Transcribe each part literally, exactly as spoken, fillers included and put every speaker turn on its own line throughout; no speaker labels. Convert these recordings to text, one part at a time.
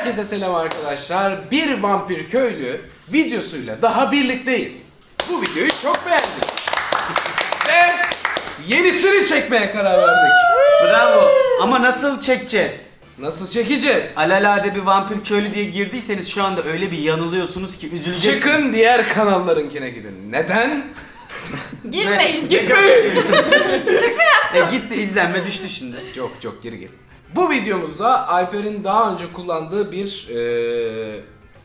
Herkese selam arkadaşlar. Bir vampir köylü videosuyla daha birlikteyiz. Bu videoyu çok beğendik. Ve yenisini çekmeye karar verdik.
Bravo. Ama nasıl çekeceğiz?
Nasıl çekeceğiz?
Alelade bir vampir köylü diye girdiyseniz şu anda öyle bir yanılıyorsunuz ki üzüleceksiniz.
Çıkın diğer kanallarınkine gidin. Neden?
Girmeyin.
Gitmeyin.
Şaka yaptım.
E gitti, izlenme düştü şimdi.
Çok çok geri gel. Bu videomuzda Alper'in daha önce kullandığı bir eee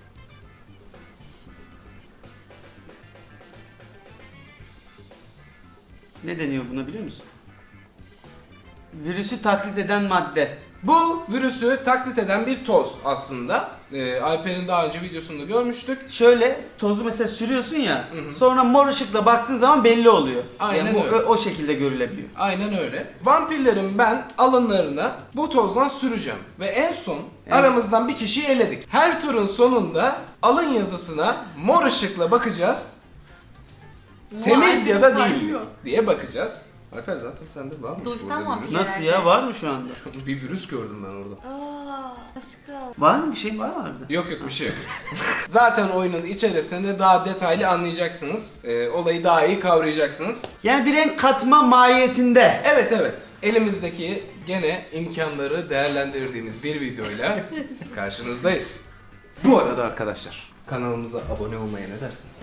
Ne deniyor buna biliyor musun? Virüsü taklit eden madde.
bu virüsü taklit eden bir toz aslında. Eee, Alper'in daha önce videosunda görmüştük.
Şöyle tozu mesela sürüyorsun ya, sonra mor ışıkla baktığın zaman belli oluyor.
Aynen
yani bu
öyle.
o, o şekilde görülebiliyor.
Aynen öyle. Vampirlerin ben alınlarına bu tozdan süreceğim. Ve en son
Evet.
aramızdan bir kişiyi eledik. Her turun sonunda alın yazısına mor ışıkla bakacağız. Temiz ya da değil mi diye bakacağız. Alper zaten sende var mı?
Doğuştan vampir.
Nasıl ya, var mı şu anda?
Bir virüs gördüm ben orada.
Aa, aşkım.
Var mı bir şey, var mı orada?
Yok yok bir şey yok. Zaten oyunun içerisinde daha detaylı anlayacaksınız. Ee, olayı daha iyi kavrayacaksınız.
Yani bir renk katma mahiyetinde.
Evet evet. Elimizdeki gene imkanları değerlendirdiğimiz bir videoyla karşınızdayız. Bu arada arkadaşlar kanalımıza abone olmaya ne dersiniz?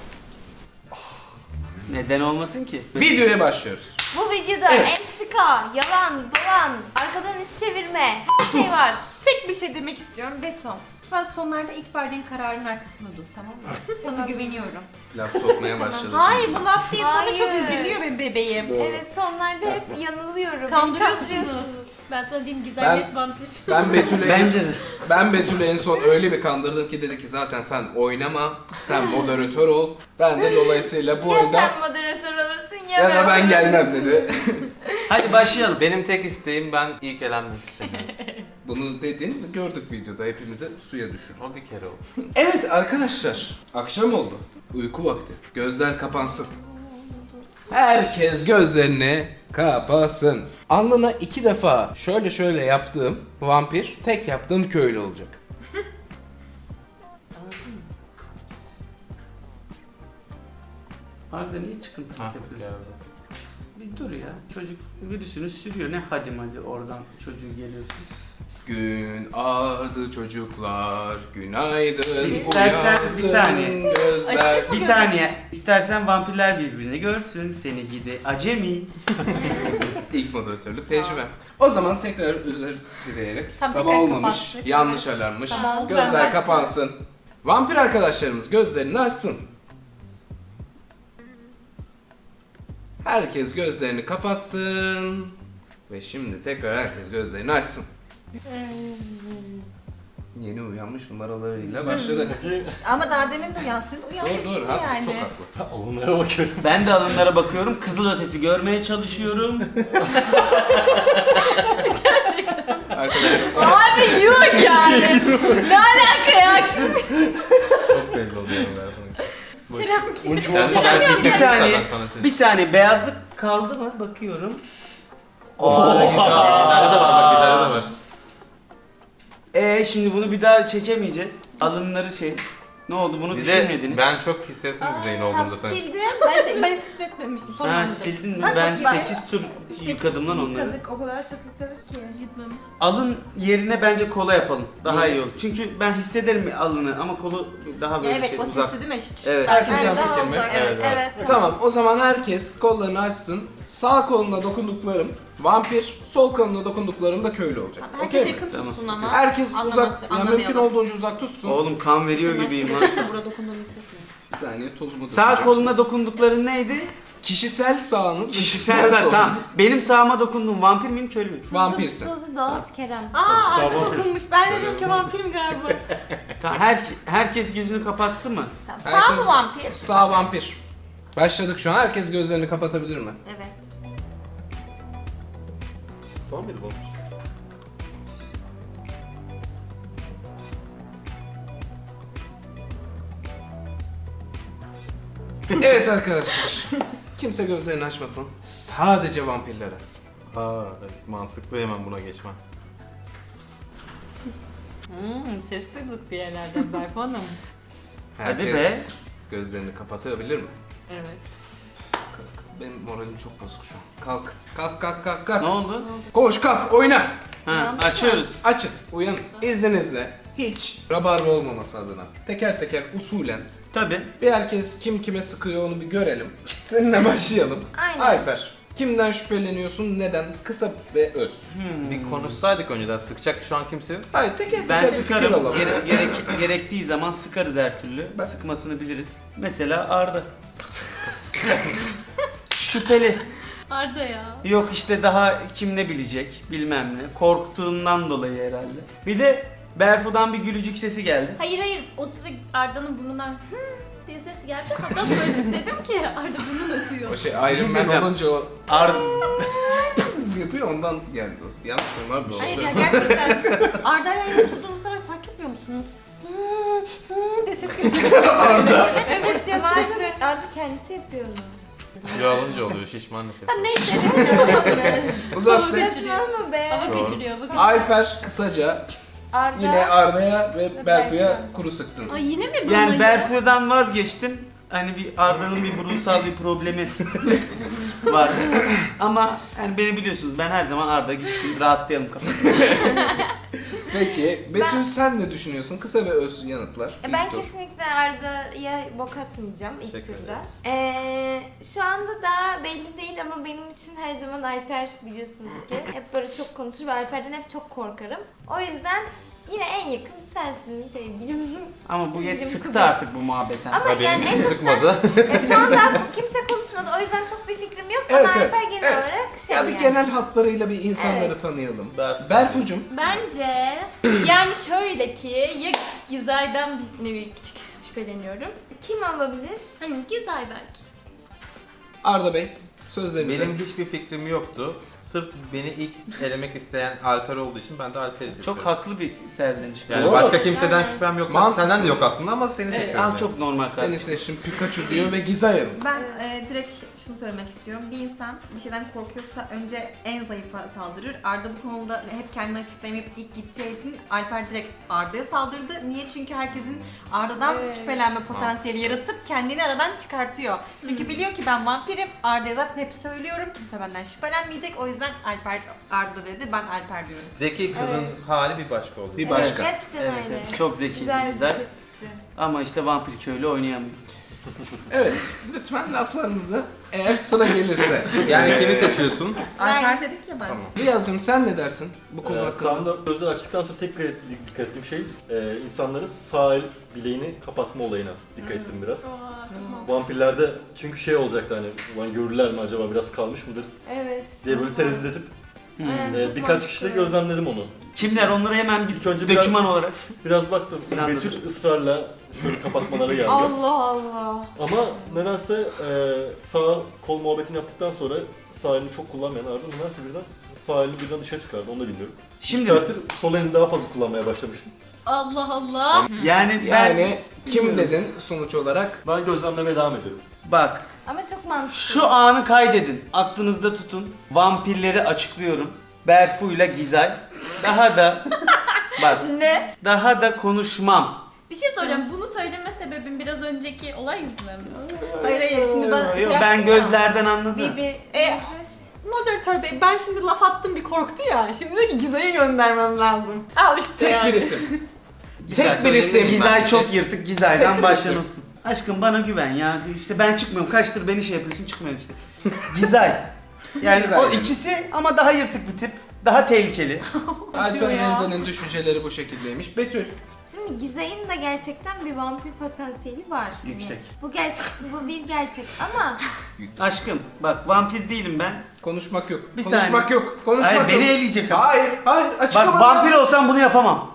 Neden olmasın ki?
Videoya başlıyoruz.
Bu videoda
Evet.
entrika, yalan, dolan, arkadan iş çevirme, her şey var.
Tek bir şey demek istiyorum, beton. Lütfen sonlarda ilk verdiğin kararın arkasında dur, tamam mı? Sana güveniyorum.
Laf sokmaya başladı
Hayır,
şimdi.
bu laf değil, sana çok
Hayır.
üzülüyor benim bebeğim.
Doğru.
Evet, sonlarda hep yanılıyorum.
Kandırıyorsunuz. Ben sana diyeyim, güzellik
Ben-
vampir.
Ben Betül'ü
Bence de.
ben Betül'ü en son öyle bir kandırdım ki dedi ki zaten sen oynama, sen moderatör ol. Ben de dolayısıyla bu
Ya
oyunda
sen moderatör olursun ya,
ya da ben gelmem dedi.
Hadi başlayalım.
Benim tek isteğim ben ilk elenmek istemiyorum.
Bunu dedin, gördük videoda hepimize suya düşür.
O bir kere oldu.
Evet arkadaşlar, akşam oldu. Uyku vakti. Gözler kapansın. Herkes gözlerini kapatsın. Alnına iki defa şöyle şöyle yaptığım vampir, tek yaptığım köylü olacak.
Harbiden iyi çıkıntı
Ha,
yapıyorsun.
geldi.
Bir dur ya. Çocuk virüsünü sürüyor. Ne hadim hadi oradan çocuğu geliyorsun.
Gün ağardı çocuklar, günaydın.
İstersen bir
uyansın
saniye.
Gözler.
Bir saniye. İstersen vampirler birbirini görsün. Seni gidi acemi.
İlk moderatörlük tecrübe. O zaman tekrar özür dileyerek
Tam
sabah
tekrar
olmamış,
kapattık.
yanlış alarmmış.
Sabah oldu,
Gözler
ben
kapansın. Vampir arkadaşlarımız gözlerini açsın. Herkes gözlerini kapatsın. Ve şimdi tekrar herkes gözlerini açsın. Yeni uyanmış numaralarıyla başladı.
Ama daha demin de uyansın,
dur
uyanmıştı
dur, ha,
yani.
çok haklı.
Onlara bakıyorum.
Ben de alınlara bakıyorum. Kızıl ötesi görmeye çalışıyorum.
Arkadaşlar
Abi yok yani. Ne alaka ya?
Çok belli oluyor onlara.
Kerem
Bunu çok
Bir saniye. Bir saniye. Beyazlık kaldı mı? Bakıyorum.
Oha! Gizade de var bak, Gizade de var.
Ee şimdi bunu bir daha çekemeyeceğiz. Alınları şey. Ne oldu bunu
Bir de
düşünmediniz?
ben çok hissettim Güzey'in olduğunu
Tam
zaten.
sildim, ben, ben hissetmemiştim. Sonra
Ha
anladım.
sildin mi?
Bak,
Ben
bak,
sekiz tur yıkadım lan onları.
Yıkadık, o kadar çok yıkadık ki.
Yutmamış.
Alın yerine bence kola yapalım. Daha iyi olur. Çünkü ben hissederim alını ama kolu daha
Ya
böyle
evet,
şey
o
uzak.
sesi değil mi? Şşş.
Evet.
herkes
Evet,
yan
daha
fikir mi?
uzak.
Evet,
Evet,
evet.
evet,
Tamam, o zaman herkes kollarını açsın. Sağ koluna dokunduklarım vampir, sol koluna dokunduklarım da köylü olacak.
Herkes
Okey mi?
yakın
Tamam.
tutsun ama.
Herkes
Anlaması-
uzak, yani mümkün
anlamayalım.
olduğunca uzak tutsun.
Oğlum kan veriyor gibiyim lan.
İşte burada dokunduğunu hissetmiyorum.
Bir saniye tozumu
Sağ
dökeceğim.
koluna dokundukların neydi?
Kişisel sağınız ve
Kişisel sağ.
solunuz.
Tamam. Benim sağıma dokundum. Vampir miyim köylü müyüm?
Vampirsin.
Tozu dağıt Kerem.
Aa, arka dokunmuş. Ben
Şöyle
dedim ki
yapalım.
vampirim galiba.
Ta- her, herkes gözünü kapattı mı?
Tamam, sağ
Herkes-
mı vampir?
Sağ vampir. Başladık şu an. Herkes gözlerini kapatabilir mi?
Evet.
Sağ mıydı bu?
Evet arkadaşlar. Kimse gözlerini açmasın. Sadece vampirler açsın.
Ha, evet, mantıklı, hemen buna geçmem.
Hmm, ses duyduk bir yerlerden Berfu Hanım.
Hadi
Herkes gözlerini kapatabilir mi?
Evet.
Benim moralim çok bozuk şu an. Kalk. Kalk kalk kalk kalk.
Ne oldu?
Koş kalk oyna.
Ha,
Uyandık mı?
açıyoruz.
Açın. Uyanın. İzninizle hiç rabarba olmaması adına teker teker usulen
Tabii.
bir herkes kim kime sıkıyor onu bir görelim. Seninle başlayalım.
Aynen.
Alper. Kimden şüpheleniyorsun? Neden? Kısa ve öz.
Bir konuşsaydık önceden. Sıkacak şu an kimse yok.
Hayır teker teker
Ben
bir fikir
sıkarım.
alalım.
Gere- gerek, gerektiği zaman sıkarız her türlü.
Ben-
Sıkmasını biliriz. Mesela Arda. Şüpheli.
Arda ya.
Yok işte daha kim ne bilecek bilmem ne. Korktuğundan dolayı herhalde. Bir de Berfu'dan bir gülücük sesi geldi.
Hayır hayır o sıra Arda'nın burnundan hı diye ses geldi. Hatta söyledim dedim ki Arda burnun ötüyor.
O şey
Bir şey
Iron Man
söyleyeceğim.
olunca o
Arda...
yapıyor ondan geldi o. Yanlış mıyım abi?
Hayır ya gerçekten Arda'yla yan oturduğumuz zaman fark etmiyor musunuz? Hı hı diye ses geliyor.
Arda.
Evet ya
Ama
sürekli.
artık, artık kendisi yapıyor onu.
Kilo alınca oluyor şişman nefes.
Neyse ne
Uzat be.
Saçmalama be.
Hava
Doğru.
geçiriyor bugün.
Alper kısaca
Arda.
yine Arda'ya ve
Ve
Berfu'ya
Berfu'ya.
kuru sıktın.
Ay yine mi bana
Yani
ya?
Berfu'dan vazgeçtim. Hani bir Arda'nın bir ruhsal bir problemi var. Ama hani beni biliyorsunuz ben her zaman Arda gitsin rahatlayalım kafasını.
Peki Betül
Ben-
sen ne düşünüyorsun? Kısa ve öz yanıtlar.
E, Ben
İlk tur.
kesinlikle Arda'ya bok atmayacağım ilk
Teşekkür
turda. Ee, şu anda daha belli değil ama benim için her zaman Alper biliyorsunuz ki. Hep böyle çok konuşur ve Alper'den hep çok korkarım. O yüzden yine en yakın sensin sevgilim.
Ama bu yet
Üzgünüm
sıktı
kızım.
artık bu muhabbet. ha.
Ama
Ha,
yani
benim
en çok sen...
sıkmadı.
Ya şu anda kimse konuşmadı o yüzden çok bir fikrim yok
Evet,
ama
evet,
Alper genel
evet.
olarak şey
Ya bir
yani.
genel hatlarıyla bir insanları
Evet.
tanıyalım.
Berfu.
Berfu'cum.
Bence yani şöyle ki ya Gizay'dan bir nevi küçük şüpheleniyorum.
Kim olabilir?
Hani Gizay belki.
Arda Bey sözlerinizi.
Benim hiçbir fikrim yoktu. Sırf beni ilk elemek isteyen Alper olduğu için ben de Alper'i seçiyorum.
Çok haklı bir serzeniş.
Yani
Doğru.
başka kimseden
Yani.
şüphem yok.
Mantıklı.
Senden de yok aslında ama seni
Evet,
seçiyorum.
al
yani.
çok normal
Seni
kardeşim.
seçtim Pikachu diyor ve Gizay Hanım.
Ben e, direkt şunu söylemek istiyorum. Bir insan bir şeyden korkuyorsa önce en zayıfa saldırır. Arda bu konuda hep kendini açıklayamayıp ilk gideceği için Alper direkt Arda'ya saldırdı. Niye? Çünkü herkesin Arda'dan
Evet.
şüphelenme potansiyeli yaratıp kendini aradan çıkartıyor. Çünkü biliyor ki ben vampirim. Arda'ya zaten hep söylüyorum. Kimse benden şüphelenmeyecek. O yüzden Alper Arda dedi. Ben Alper diyorum.
Zeki kızın hali bir başka oldu.
Bir başka.
Evet, gerçekten
Evet,
öyle.
evet. Çok zeki,
Güzel bir
güzel.
tespitti.
Ama işte vampir köylü oynayamıyor.
Evet. Lütfen laflarımızı eğer sıra gelirse.
Yani kimi seçiyorsun?
Alper
Rice.
dedik ya ben.
Tamam.
Riyaz'cığım sen ne dersin bu konu
Ee,
hakkında?
tam da gözler açtıktan sonra tek dikkat dikkat ettiğim şey e, insanların sağ el bileğini kapatma olayına dikkat ettim biraz. Vampirlerde çünkü şey olacaktı hani ulan görürler mi acaba biraz kalmış mıdır
Evet.
diye böyle tereddüt edip
Aynen,
e,
çok
birkaç
mantıklı.
kişide gözlemledim onu.
Kimler onları hemen bir
İlk önce biraz,
döküman olarak.
biraz baktım.
İnandım.
Betül ısrarla şöyle kapatmalara geldi.
Allah Allah.
Ama nedense e, sağ kol muhabbetini yaptıktan sonra sağ elini çok kullanmayan Arda nedense birden sağ elini birden dışarı çıkardı onu da bilmiyorum.
Şimdi
İki saattir sol elini daha fazla kullanmaya başlamıştım.
Allah Allah.
yani ben
Yani kim dedin sonuç olarak?
Ben gözlemlemeye devam ediyorum.
bak
Ama çok mantıklı.
şu anı kaydedin. Aklınızda tutun. Vampirleri açıklıyorum. Berfu'yla Gizay. Daha da bak
Ne?
daha da konuşmam.
Bir şey soracağım. Bunu söyleme sebebim biraz önceki olay yüzünden mi?
Hayır hayır şimdi ben şey
Yo,
yaptım
ben
ya.
gözlerden anladım.
Bir bir
E, Moderatör bey ben şimdi laf attım bir korktu ya. Şimdi de ki Gizay'ı göndermem lazım. Al işte
Tek
yani.
bir isim.
Gizay
Tek bir
söyledi.
isim.
Gizay
Ben-
çok yırtık.
Tek
Gizay'dan
bir
başlanılsın. Aşkım bana güven ya. İşte ben çıkmıyorum. Kaçtır beni şey yapıyorsun çıkmıyorum işte. Gizay. Yani
Gizay.
o ikisi ama daha yırtık bir tip. Daha tehlikeli.
Alper
ya.
Rende'nin düşünceleri bu şekildeymiş. Betül.
Şimdi Gizay'ın da gerçekten bir vampir potansiyeli var. Yani
Yüksek.
bu gerçek, bu bir gerçek ama
Aşkım bak vampir değilim ben.
Konuşmak yok.
Bir
Konuşmak
saniye.
yok. Konuşmak
Hayır
yok.
beni eleyecek. ama.
Hayır, hayır. Açıklama.
Bak vampir olsam bunu yapamam.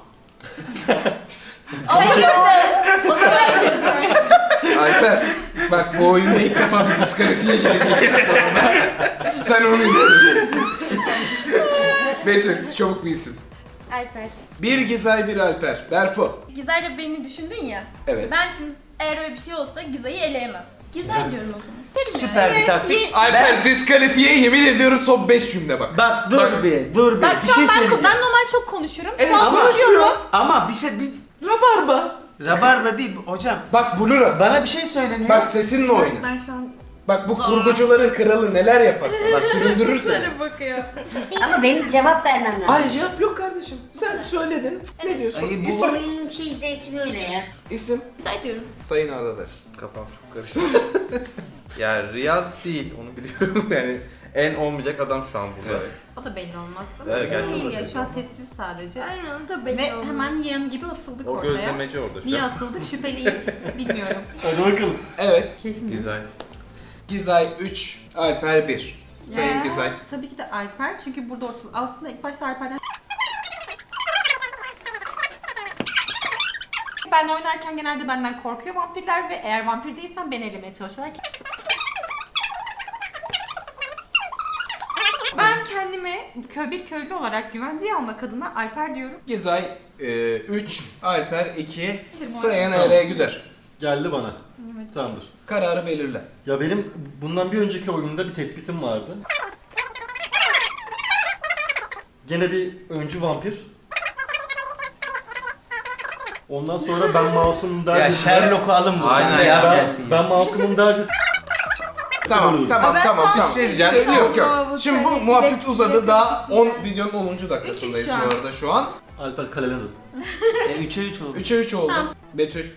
Alper, bak bu oyunda ilk defa bir diskalifiye gelecek sonunda. Sen onu istiyorsun. Betül, çabuk bir isim.
Alper.
Bir Gizay, bir Alper. Berfu.
Gizay'la beni düşündün ya.
Evet.
Ben şimdi eğer öyle bir şey olsa Gizay'ı eleyemem. Gizay diyorum o zaman.
Süper bir
Evet,
taktik.
iyi.
Alper diskalifiye, yemin ediyorum son beş cümle bak.
Bak dur
Bak.
bir, dur bir.
Bak
bir
şu
şey
an ben,
söyleyeceğim.
ben normal çok konuşurum.
Evet,
Şu an
ama-
konuşuyorum.
Ama bir şey bir rabarba. Rabarba değil hocam.
Bak blur at.
Bana bir şey söyleniyor.
Bak sesinle oyna.
Ben şu an
Bak bu kurgucuların kralı neler yapar. Bak süründürür seni.
Sana bakıyor.
Ama benim cevap vermem lazım.
Hayır cevap yok kardeşim. Sen söyledin. Ne diyorsun?
Ay, bu-
Bu
İsim.
oyunun şey zevki böyle ya.
İsim.
Güzel diyorum.
Sayın Arda der.
Kafam çok karıştı. ya Riyaz değil onu biliyorum yani en olmayacak adam şu an burada.
Evet.
o da belli olmaz.
Evet, gerçekten
Değil
o da
ya
belli
şu an
olmaz.
sessiz sadece.
Aynen o da belli
Ve
olmaz.
hemen yem gibi atıldık
O
ortaya.
gözlemeci orada şu
Niye
an.
atıldık şüpheliyim bilmiyorum.
Hadi bakalım.
Evet.
Keyfim yok.
Güzel.
Gizay üç, Alper bir. Sayın
Ya.
Gizay.
Tabii ki de Alper çünkü burada ortalık. Aslında ilk başta Alper'den ben oynarken genelde benden korkuyor vampirler ve eğer vampir değilsen beni elemeye çalışıyorlar ki. Ben kendime köy bir köylü olarak güvenceye almak adına Alper diyorum.
Gizay üç, Alper iki,
Tamam.
Sayın Ereğe Güder.
Geldi bana.
Evet.
Tamamdır.
Kararı belirle.
Ya benim bundan bir önceki oyunda bir tespitim vardı. Gene bir öncü vampir. Ondan sonra ben masumum
Ya
derdi.
Sherlock'u alın bu.
Aynen.
Yaz
ben,
gelsin. ya.
ben masumum derdi.
Tamam
Olur.
tamam
Ben şu
tamam
an
tamam.
şey
diyeceğim.
diyeceğim
Yok
ama
yok.
bu
Şimdi bu
sene
muhabbet
direkt-
uzadı.
direkt
Daha
iki yani.
on videonun onuncu dakikasındayız
Üç üç
bu
şu an.
arada şu an.
Alper kalelendi.
E, üçe üç oldu.
üçe üç oldu. Betül.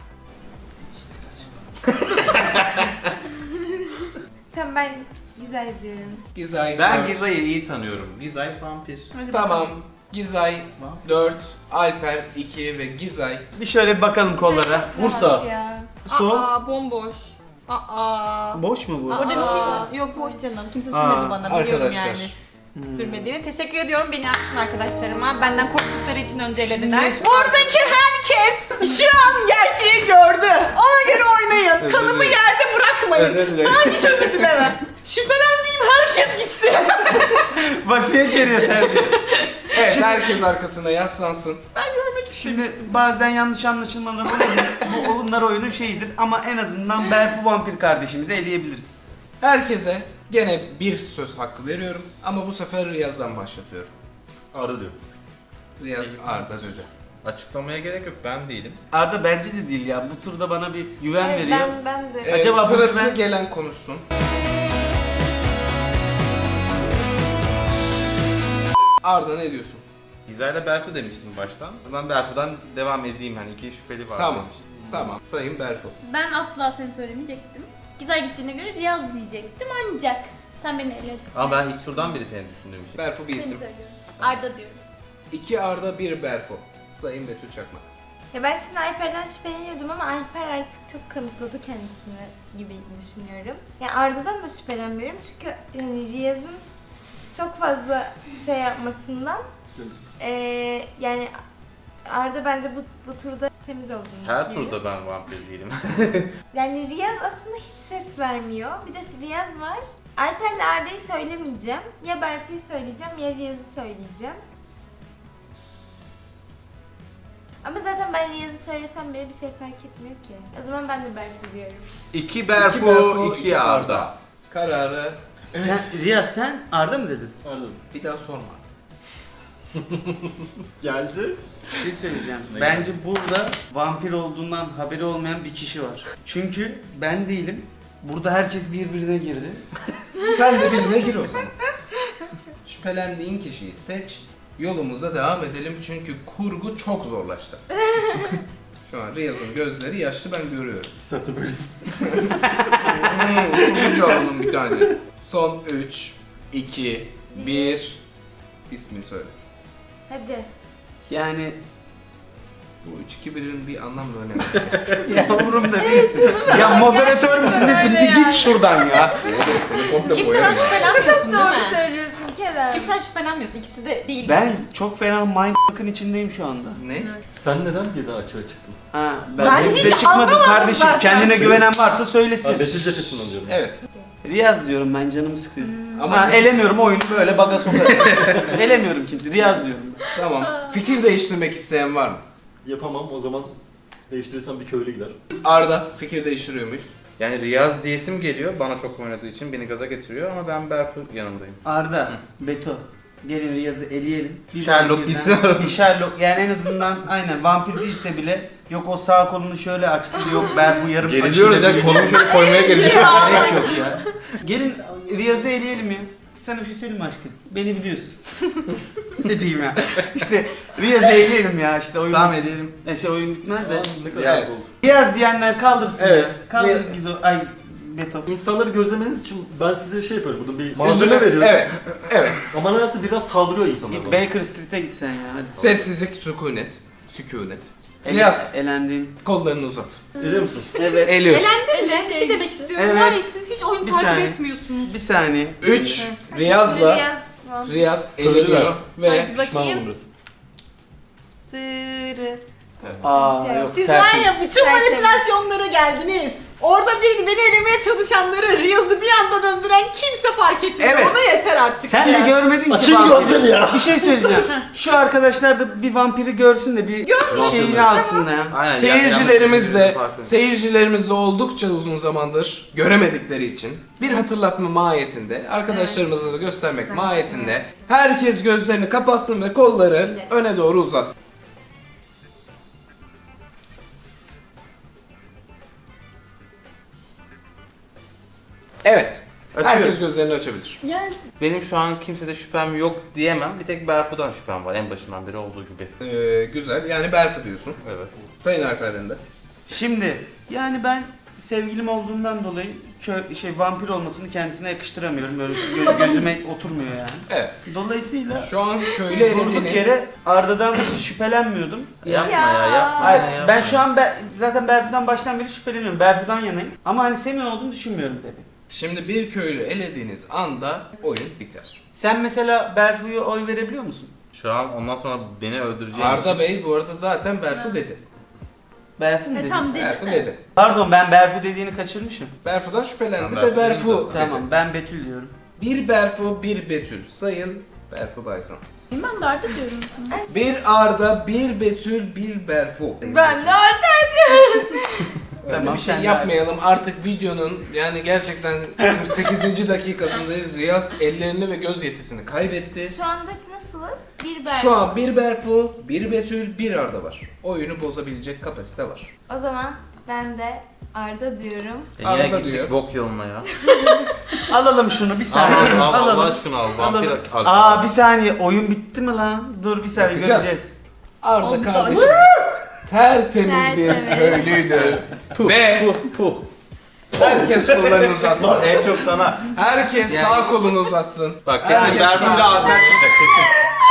Tamam ben güzel diyorum.
Gizay
Ben
dört.
Gizay'ı iyi tanıyorum. Gizay vampir.
Hadi
Tamam.
bakalım.
Gizay dört, Alper iki ve Gizay.
Bir şöyle bir bakalım kollara.
Bursa.
Rahat ya.
Sol.
Aa bomboş. Aa.
Boş mu bu?
Aa,
Orada bir şey
var. Yok boş canım. Kimse
Aa,
sürmedi bana. Biliyorum
Arkadaşlar.
yani. Sürmediğini. Teşekkür ediyorum beni yapsın arkadaşlarıma. Benden korktukları için öncelediler. Buradaki herkes şu an gerçeği gördü. Ona göre oynayın.
Özür
Kanımı
dilerim.
yerde bırakmayın.
Özür dilerim.
Sana hiç özür dilemem. Şüphelendiğim herkes gitsin.
Vasiyet veriyor terbiyesiz.
Evet herkes arkasına yaslansın.
Şimdi bazen yanlış anlaşılmalar olabilir. Bu onlar oyunun şeyidir ama en azından Berfu vampir kardeşimizi eleyebiliriz.
Herkese gene bir söz hakkı veriyorum ama bu sefer Riyaz'dan başlatıyorum.
Arda diyor.
Riyaz Arda dedi.
Açıklamaya gerek yok ben değilim.
Arda bence de değil ya. Bu turda bana bir güven
Evet,
veriyor.
ben, ben de.
Ee,
Acaba bu
sırası
güven-
gelen konuşsun. Arda ne diyorsun?
Gizay'la Berfu demiştim baştan. O zaman Berfu'dan devam edeyim hani iki şüpheli var
Tamam.
demiştim.
Tamam. Sayın Berfu.
Ben asla seni söylemeyecektim. Güzel gittiğine göre Riyaz diyecektim ancak sen beni eledin.
Ama ben ilk turdan beri seni düşündüğüm için.
Berfu bir
Seni
isim.
söylüyorum. Arda diyorum.
İki Arda, bir Berfu. Sayın Betül Çakmak.
Ya ben şimdi Alper'den şüpheleniyordum ama Alper artık çok kanıtladı kendisini gibi düşünüyorum. Yani Arda'dan da şüphelenmiyorum çünkü yani Riyaz'ın çok fazla şey yapmasından eee yani Arda bence bu, bu turda temiz olduğunu
Her
düşünüyorum.
turda ben vampir değilim.
Yani Riyaz aslında hiç ses vermiyor. Bir de Riyaz var. Alper'le Arda'yı söylemeyeceğim. Ya Berfu'yu söyleyeceğim ya Riyaz'ı söyleyeceğim. Ama zaten ben Riyaz'ı söylesem bile bir şey fark etmiyor ki. O zaman ben de Berfu diyorum.
iki Berfu,
İki Berfu,
iki,
iki
Arda.
Arda. Kararı
Sen, Riyaz sen Arda mı dedin?
Arda.
bir daha sorma artık.
Geldi.
Bir şey söyleyeceğim.
Ne
Bence burada vampir olduğundan haberi olmayan bir kişi var. Çünkü ben değilim. Burada herkes birbirine girdi.
Sen de birine gir o zaman. Şüphelendiğin kişiyi seç. Yolumuza devam edelim çünkü kurgu çok zorlaştı. Şu an Riyaz'ın gözleri yaşlı ben görüyorum.
İki saatte böyle.
Kurgucu alalım bir tane. Son üç, iki, bir. İsmini söyle.
Hadi.
Yani
Bu üç iki birin bir anlam ve önemi.
ya umurumda değilsin. Ya moderatör müsün nesin?
Öyle
Bir
yani.
git şuradan ya.
Evet, seni komple
Kimseden
boyarım.
şüphelenmiyorsun değil
Doğru
mi?
söylüyorsun Kerem.
Kimseden şüphelenmiyorsun. İkisi de değil.
Ben çok fena mindfuck'ın içindeyim şu anda.
Ne?
Sen neden bir daha açığa çıktın?
Ha, ben,
Ben
ben
hiç
de çıkmadım
anlamadım
kardeşim.
zaten.
Kendine güvenen varsa söylesin.
Ha, Betül cephesinden diyorum.
Evet.
Riyaz diyorum ben canımı sıkıyor.
Ama
Ama elemiyorum oyunu böyle baga sokarım. Elemiyorum kimse. Riyaz diyorum.
tamam. Fikir değiştirmek isteyen var mı?
Yapamam o zaman değiştirirsen bir köylü gider.
Arda fikir değiştiriyor muyuz?
Yani Riyaz diyesim geliyor bana çok oynadığı için beni gaza getiriyor ama ben Berfu yanındayım.
Arda, Beto. Gelin Riyaz'ı eleyelim. Bir
Sherlock
vampirden-
gitsin aramızda.
Bir Sherlock yani en azından aynen vampir değilse bile yok o sağ kolunu şöyle açtı yok Berfu yarım
Geriliyoruz ya kolumu şöyle koymaya geliyor.
Gerek yok ya. Gelin Riyaz'ı eleyelim ya. Sana bir şey söyleyeyim mi aşkım? Beni biliyorsun. Ne diyeyim ya? İşte Riyaz'ı eleyelim ya işte oyun.
Tamam edelim.
E şey oyun bitmez de.
Evet.
Riyaz diyenler kaldırsın
Evet.
ya. Kaldır
Riyaz-
Gizo. Ay Beto.
İnsanları gözlemeniz için ben size şey yapıyorum. Burada bir
Üzüle-
malzeme veriyorum.
Evet. Evet.
Ama nedense biraz saldırıyor insanlar
Git
bana.
Baker Street'e git sen ya hadi.
Sessizlik, sükunet. Sükunet.
Ele-
Riyaz,
Elendin.
kollarını uzat.
Biliyor musunuz?
Evet.
Eliyoruz.
Elendin mi? Bir şey demek istiyorum.
Evet.
Hayır siz hiç oyun
Bir
takip
saniye.
etmiyorsunuz.
Bir saniye.
üç. Riyaz'la
Riyaz vampir.
Riyaz
Söylediler.
eleniyor ve
Hadi
Pişman
bakayım.
oldum biraz.
Aa
Şey yok.
yok.
Siz var
tertemiz.
ya bütün
Tertemiz.
manipülasyonlara geldiniz. Orada bir beni elemeye çalışanları Riyaz'ı bir anda döndüren kimse fark etmiyor.
Evet.
Ona yeter artık.
Sen
ya.
de görmedin ki
Açın
vampiri.
gözleri ya.
Bir şey söyleyeceğim. Şu arkadaşlar da bir vampiri görsün de bir şeyini alsın ya.
Aynen,
seyircilerimiz de
yanlış farklı.
seyircilerimiz de oldukça uzun zamandır göremedikleri için bir hatırlatma mahiyetinde arkadaşlarımıza da göstermek mahiyetinde herkes gözlerini kapatsın ve kolları öne doğru uzatsın. Evet. Herkes
Açıyoruz.
gözlerini açabilir.
Yani
Benim şu an kimsede şüphem yok diyemem. Bir tek Berfu'dan şüphem var en başından beri olduğu gibi.
Ee, güzel. Yani Berfu diyorsun.
Evet.
Sayın Alper'den de.
Şimdi yani ben sevgilim olduğundan dolayı kö- şey vampir olmasını kendisine yakıştıramıyorum. Böyle gö- gözüme oturmuyor yani.
Evet.
Dolayısıyla
Şu an köylü
durduk
elediğiniz...
yere Arda'dan hiç şüphelenmiyordum.
Yapma
Ya.
ya, yapma
Hayır,
ya, yapma.
ben şu an Ber- zaten Berfu'dan baştan beri şüpheleniyorum. Berfu'dan yanayım. Ama hani senin olduğunu düşünmüyorum tabii.
Şimdi bir köylü elediğiniz anda oyun biter.
Sen mesela Berfu'ya oy verebiliyor musun?
Şu an ondan sonra beni öldüreceğin
Arda
için-
Bey bu arada zaten Berfu dedi.
Berfu mu
E,
dedin
tam
sen?
dedi.
Berfu
de.
dedi.
Pardon ben Berfu dediğini kaçırmışım.
Berfu'dan şüphelendi
Tamam,
ve
Berfu
Berfu
dedi.
dedi.
Tamam ben Betül diyorum.
Bir Berfu, bir Betül. Sayın Berfu Baysan.
Ben de Arda diyorum.
Bir Arda, bir Betül, bir Berfu.
Ben de Alper diyorum.
Öyle
Tamam,
bir şey
sen de-
yapmayalım. Artık videonun yani gerçekten kırk sekizinci dakikasındayız. Riyaz ellerini ve göz yetisini kaybetti.
Şu anda nasılız? Bir ben.
Şu an bir Berfu, bir Betül, bir Arda var. Oyunu bozabilecek kapasite var.
O zaman ben de Arda diyorum.
E yine
Arda
gittik
diyor.
bok yoluna ya.
Alalım şunu bir
Al,
saniye.
al,
Alalım.
Allah aşkına al. Vampir
Alalım.
al.
Aa bir saniye oyun bitti mi lan? Dur bir saniye
Yapacağız.
göreceğiz.
Arda
Oldu.
kardeşimiz tertemiz bir
Tertemiz.
köylüydü. Ve
Puh.
herkes kollarını uzatsın.
En çok sana.
Herkes
Yani-
sağ kolunu uzatsın.
Bak kesin
Herkes
Berfu'yla
sağ-
Alper çıkacak kesin.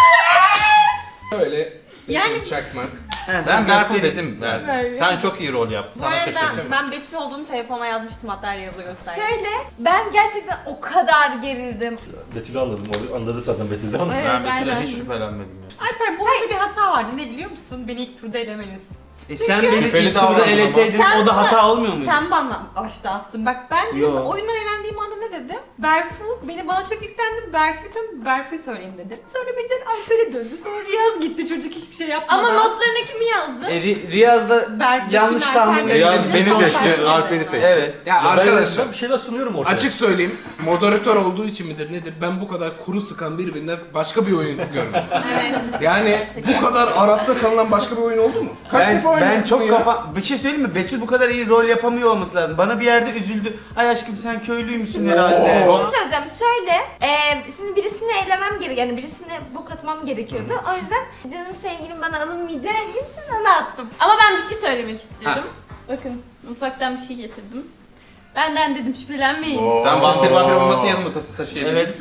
Şöyle
Yani-
yani... çakmak.
He,
Ben Berfu
göstereyim.
dedim. Berfu. Sen çok iyi rol yaptın.
bu
Sana
arada
şaşıracağım.
ben Betül olduğunu telefonuma yazmıştım, hatta Riyaz'a gösterdim.
Şöyle ben gerçekten o kadar gerildim.
Betül'ü anladım. O anladı zaten Betül'ü ama.
Evet,
Ben Betül'e
aynen.
hiç şüphelenmedim ya.
Alper bu arada bir hata vardı, ne biliyor musun? Beni ilk turda elemeniz.
E sen beni
Şüpheli
ilk turda
davrandın
eleseydin
ama.
o da
Sen
hata olmuyor muydu?
Sen bana başta attın. Bak ben dedim,
Yo.
oyundan eğlendiğim anda ne dedim? Berfu, beni bana çok yüklendi. Berfu'yum, Berfu'yu söyleyin dedim. Sonra birden Alper'e döndü. Sonra Riyaz gitti, çocuk hiçbir şey yapmadan.
Ama notlarına kimi yazdı?
E, Ri- Riyaz'da
Berfu,
yanlış
Alper,
tahmin
Riyaz
Riyaz
edildi.
beni
Son
seçti,
fark
Alper'i
edildi.
seçti.
Evet.
Ya
Ben-
arkadaşlar
Ben bir şeyler sunuyorum ortaya.
açık söyleyeyim moderatör olduğu için midir nedir ben bu kadar kuru sıkan birbirine başka bir oyun görmedim.
Evet.
Yani bu kadar arafta kalınan başka bir oyun oldu mu? Kaç
Ben,
defa
ben
oynadın
çok
ya?
kafa... Bir şey söyleyeyim mi? Betül bu kadar iyi rol yapamıyor olması lazım. Bana bir yerde üzüldü. Ay aşkım sen köylüymüşsün herhalde.
Bir şey söyleyeceğim. Şöyle, e, şimdi birisini elemem gerek, yani birisine bok atmam gerekiyordu. O yüzden canım sevgilim bana alınmayacağı için ona attım.
Ama ben bir şey söylemek istiyorum. Bakın mutfaktan bir şey getirdim. Benden dedim şüphelenmeyin.
Oo.
Sen vampir vampir olması yanıma ta- taşıyabilirsin.
Evet.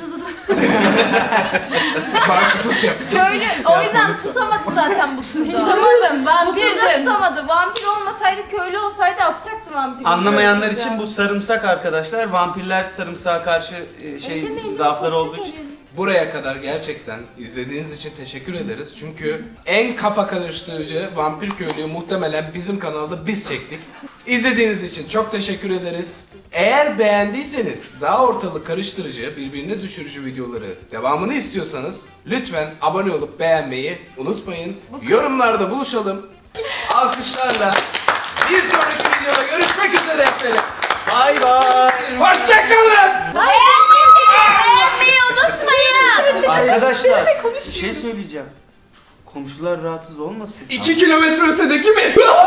Bağışıklık yap.
Köylü o yüzden tutamadı zaten bu turda.
Tutamadım,
Bu turda
vampirdim.
tutamadı. Vampir olmasaydı, köylü olsaydı atacaktı vampiri.
Anlamayanlar
Güzel.
için bu sarımsak arkadaşlar. Vampirler sarımsağa karşı e, şey
Ellemeyin,
zaafları
korkacak
olduğu için.
elim.
Buraya kadar gerçekten izlediğiniz için teşekkür ederiz. Çünkü en kafa karıştırıcı vampir köylüyü muhtemelen bizim kanalda biz çektik. İzlediğiniz için çok teşekkür ederiz. Eğer beğendiyseniz daha ortalık karıştırıcı, birbirine düşürücü videoları devamını istiyorsanız lütfen abone olup beğenmeyi unutmayın. Yorumlarda buluşalım. Alkışlarla bir sonraki videoda görüşmek üzere efendim.
Bay bay.
Hoşçakalın.
Beğenmeyi unutmayın.
Arkadaşlar bir şey söyleyeceğim. Komşular rahatsız olmasın.
İki kilometre ötedeki mi?